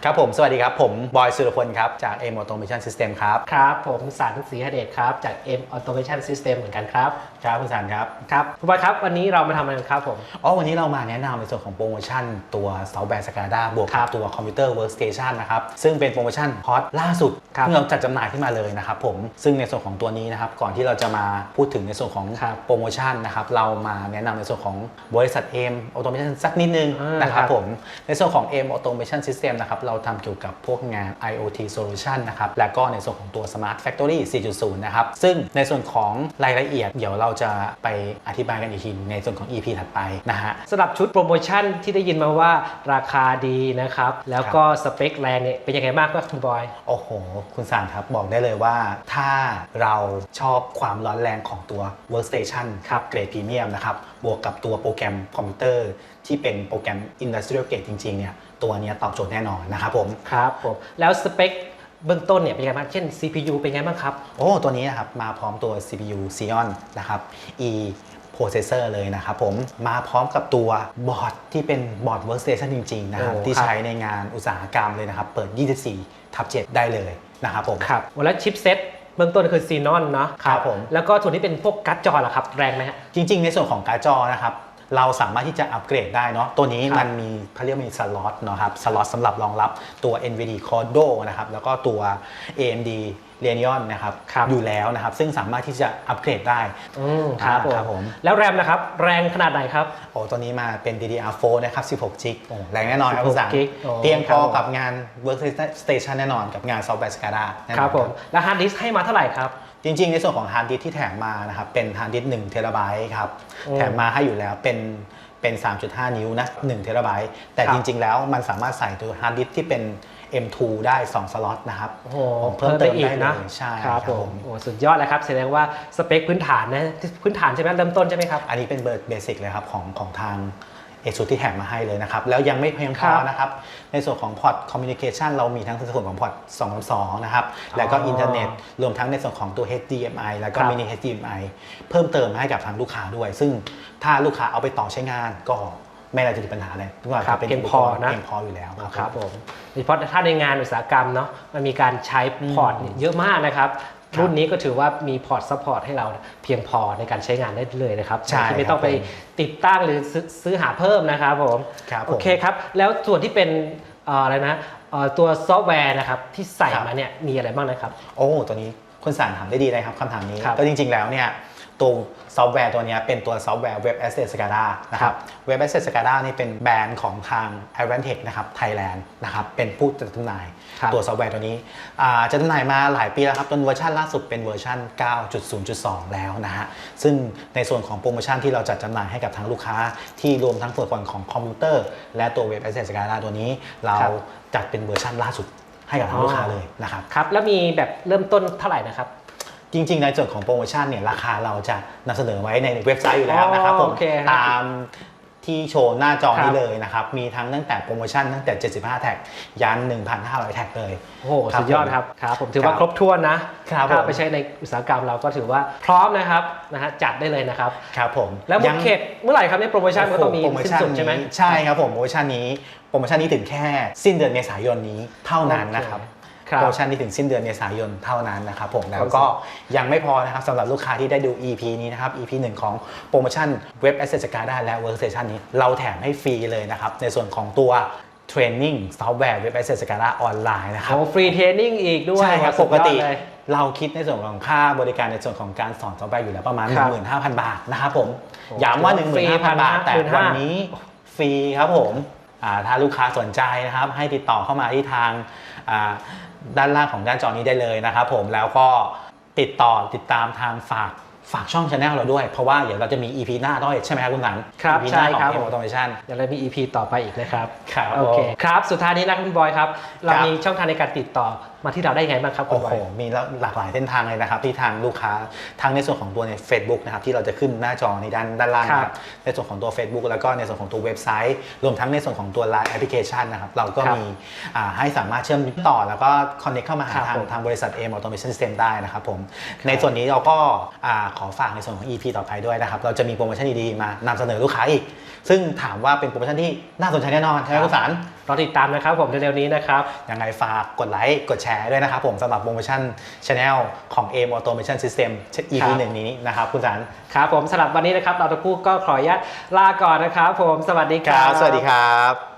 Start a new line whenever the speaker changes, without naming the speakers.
ครับผมสวัสดีครับผมบอยสุรพลครับจาก M Automation System ครับ
ครับผมสันต์ศรีหเดชครับจาก M Automation System เหมือนกันครับ
ครับคุณสันครับ
ครับคุณบอยครับวันนี้เรามาทำอะไรกันครับผม
วันนี้เรามาแนะนำในส่วนของโปรโมชั่นตัวซอฟต์แวร์ SCADA บวก
ครั
กับบ ตัวคอมพิวเตอร์ Workstation นะครับซึ่งเป็นโปรโมชั่นฮอตล่าสุดที่เราจัดจำหน่ายขึ้นมาเลยนะครับผมซึ่งในส่วนของตัวนี้นะครับก่อนที่เราจะมาพูดถึงในส่วนของโปรโมชั่นนะครับเรามาแนะนำในส่วนของบริษัท M Automation สักนิดนึงนะครับผมในส่วนของ M Automation System นะครับเราทำเกี่ยวกับพวกงาน IoT Solution นะครับและก็ในส่วนของตัว Smart Factory 4.0 นะครับซึ่งในส่วนของรายละเอียดเดี๋ยวเราจะไปอธิบายกันอีกทีในส่วนของ EP ถัดไปนะฮะ
สำหรับชุดโปรโมชั่นที่ได้ยินมาว่าราคาดีนะครับแล้วก็สเปคแรงเนี่ยเป็นยังไงบ้างครับคุณบอย
โอ้โหคุณสารครับบอกได้เลยว่าถ้าเราชอบความร้อนแรงของตัว Workstation
ครับ
เกรดพรีเมียมนะครับบวกกับตัวโปรแกรมคอมพิวเตอร์ที่เป็นโปรแกรม Industrial Grade จริงๆเนี่ยตัวนี้ตอบโจทย์แน่นอนนะครับผม
ครับผมแล้วสเปคเบื้องต้นเนี่ยเป็นยังไงบ้างเช่น CPU เป็นยังไงบ้างครับ
ตัวนี้นะครับมาพร้อมตัว CPU Xeon นะครับ E processor เลยนะครับผมมาพร้อมกับตัวบอร์ดที่เป็นบอร์ด workstation จริงๆนะครับที่ใช้ในงานอุตสาหกรรมเลยนะครับเปิด 24/7 ได้เลยนะครับผม
ครับแล้วชิปเซ็ตเบื้องต้นคือ Xenon เนาะ
ครับผม
แล้วก็ส่วนที่เป็นพวกการ์ดจอล่ะครับแรงไหมฮะ
จริงๆในส่วนของการ์ดจอนะครับเราสามารถที่จะอัปเกรดได้เนาะตัวนี้มันมีเขาเรียกมีสล็อตเนาะครับสล็อตสำหรับรองรับตัว NVIDIA Cordo นะครับแล้วก็ตัว AMD Radeon นะครับอยู่แล้วนะครับซึ่งสามารถที่จะอัปเกรดได้
ครับผมแล้วแรมนะครับแรงขนาดไหนครับ
ตัวนี้มาเป็น DDR4 นะครับ16 GB แรงแน่นอนครับคุณสังเตรียมพอกับงาน Workstation แน่นอนกับงาน Software SCADA
ครับผมแล้วฮาร์ดดิสก์ให้มาเท่าไหร่ครับ
จริงๆในส่วนของฮาร์ดดิสก์ที่แถมมานะครับเป็นฮาร์ดดิสก์1 TBครับแถมมาให้อยู่แล้วเป็น 3.5 นิ้วนะ1 TB แต่จริงๆแล้วมันสามารถใส่ตัวฮาร์ดดิสก์ที่เป็น M2 ได้2สล็อตนะครับ
เพิ่มเติมได้นะ
ใช่
ครับผมสุดยอดเลยครับแสดงว่าสเปคพื้นฐานนะพื้นฐานใช่ไหมเริ่มต้นใช่ไหมครับ
อันนี้เป็นเบสิกเลยครับของทางASUSที่แถมมาให้เลยนะครับแล้วยังไม่เพียงพอนะครับในส่วนของพอร์ตคอมมิวนิเคชันเรามีทั้งในส่วนของพอร์ต2.2นะครับแล้วก็อินเทอร์เน็ตรวมทั้งในส่วนของตัว HDMI แล้วก็มินิ HDMI เพิ่มเติมให้กับทางลูกค้าด้วยซึ่งถ้าลูกค้าเอาไปต่อใช้งานก็ไม่น่าจะมีปัญหาอะไรทุกอย่างจะเป็น
เพียงพอนะ
เพียงพออยู่แล้ว
ครับผมโดยเฉพาะถ้าในงานอุตสาหกรรมเนาะมันมีการใช้พอร์ตเยอะมากนะครับรุ่นนี้ก็ถือว่ามีพอร์ตซัพพอร์ตให้เราเพียงพอในการใช้งานได้เลยนะครับที่ไม่ต้องไปติดตั้งหรือซื้อหาเพิ่มนะครับผมโอเคครับแล้วส่วนที่เป็นอะไรนะตัวซอฟต์แวร์นะครับที่ใส่มาเนี่ยมีอะไรบ้างนะครับ
ตัวนี้คุณสารถามได้ดีเลยครับคำถามนี้ก็จริงๆแล้วเนี่ยตัวซอฟต์แวร์ตัวนี้เป็นตัวซอฟต์แวร์ Web Asset SCADA นะครับ Web Asset SCADA นี่เป็นแบรนด์ของทาง Advantech นะครับไทยแลนด์นะครับเป็นผู้จัดจำหน่ายตัวซอฟต์แวร์ตัวนี้จะจำหน่ายมาหลายปีแล้วครับจนเวอร์ชันล่าสุดเป็นเวอร์ชัน 9.0.2 แล้วนะฮะซึ่งในส่วนของโปรโมชั่นที่เราจัดจำหน่ายให้กับทางลูกค้าที่รวมทั้งส่วนของคอมพิวเตอร์และตัว Web Asset SCADA ตัวนี้เราจัดเป็นเวอร์ชันล่าสุดให้กับทางลูกค้าเลยนะครับ
ครับแล้วมีแบบเริ่มต้นเท่าไหร่นะครับ
จริงๆในส่วนของโปรโมชั่นเนี่ยราคาเราจะนำเสนอไว้ในเว็บไซต์อยู่แล้วนะครับผมตามที่โชว์หน้าจอนี้เลยนะครับมีทั้งตั้งแต่โปรโมชั่นตั้งแต่75แท็กยัน 1,500 แท็กเลย
โอ้โหสุดยอดครับผมถือว่าครบถ้วนนะถ้าไปใช้ในอุตสาหกรรมเราก็ถือว่าพร้อมนะครับจัดได้เลยนะครับ
ครับผม
แล้วหมดเขตเมื่อไหร่ครับในโปรโมชั่นก็ต้องมีสิ้นสุดใช่ไหม
ใช่ครับผมโปรโมชั่นนี้ถึงแค่สิ้นเดือนเมษายนนี้เท่านั้นนะครับโปรโมชั่นที่ถึงสิ้นเดือนเมษายนเท่านั้นนะครับผมแล้วก็ยังไม่พอนะครับสำหรับลูกค้าที่ได้ดู EP นี้นะครับ EP 1 ของโปรโมชั่น Web Asset SCADA และ Workstation นี้เราแถมให้ฟรีเลยนะครับในส่วนของตัวเทรนนิ่งซอฟต์แวร์ Web Asset SCADA ออนไลน์นะครับ
ฟรีเทรนนิ่งอีกด้วย
ใช่ครับปกติเราคิดในส่วนของค่าบริการในส่วนของการสอนซอฟต์แวร์อยู่แล้วประมาณ 15,000 บาทนะครับผมย้ำว่า 15,000 บาทแต่วันนี้ฟรีครับผมถ้าลูกค้าสนใจนะครับให้ติดต่อเข้ามาที่ทางด้านล่างของด้านจอนี้ได้เลยนะครับผมแล้วก็ติดตามทางฝากช่อง channel เราด้วยเพราะว่าเดี๋ยวเราจะมี EP หน้าด้วยใช่ไหมครับคุณหนัง
ครับ
EP
ใช่ครับ
ของ Automation
เดี๋ยวเรามี EP ต่อไปอีกนะครับ
โอเค
ครับสุดท้ายนี้นะคุณบอยครับเรามีช่องทางในการติดต่อมาที่เราได้ไงบ้างครับคุณบอย
มีหลากหลายเส้นทางเลยนะครับที่ทางลูกค้าทั้งในส่วนของตัวใน Facebook นะครับที่เราจะขึ้นหน้าจอในด้านล่างนะครับในส่วนของตัว Facebook แล้วก็ในส่วนของตัวเว็บไซต์รวมทั้งในส่วนของตัว Line Application นะครับเราก็มีให้สามารถเชื่อมต่อแล้วก็ connect เข้ามาหาทางบริษัท M Automation System ได้นะครับผมในส่วนนี้เราก็ขอฝากในส่วนของ EP ต่อไปด้วยนะครับเราจะมีโปรโมชั่นดีๆมานำเสนอลูกค้าอีกซึ่งถามว่าเป็นโปรโมชั่นที่น่าสนใจแน่นอนใช่ไหมคุณสาร
รอติดตามนะครับผมเร็วๆนี้นะครับ
ยังไงฝากกดไลค์กดแชร์ด้วยนะครับผมสำหรับโปรโมชั่น Channel ของ AIM Automation System EP 1นี้นะครับคุณสาร
ครับผมสำหรับวันนี้นะครับเราทั้งคู่ก็ขออนุญาตลาก่อนนะครับผมสวัสดีครับ
สวัสดีครับ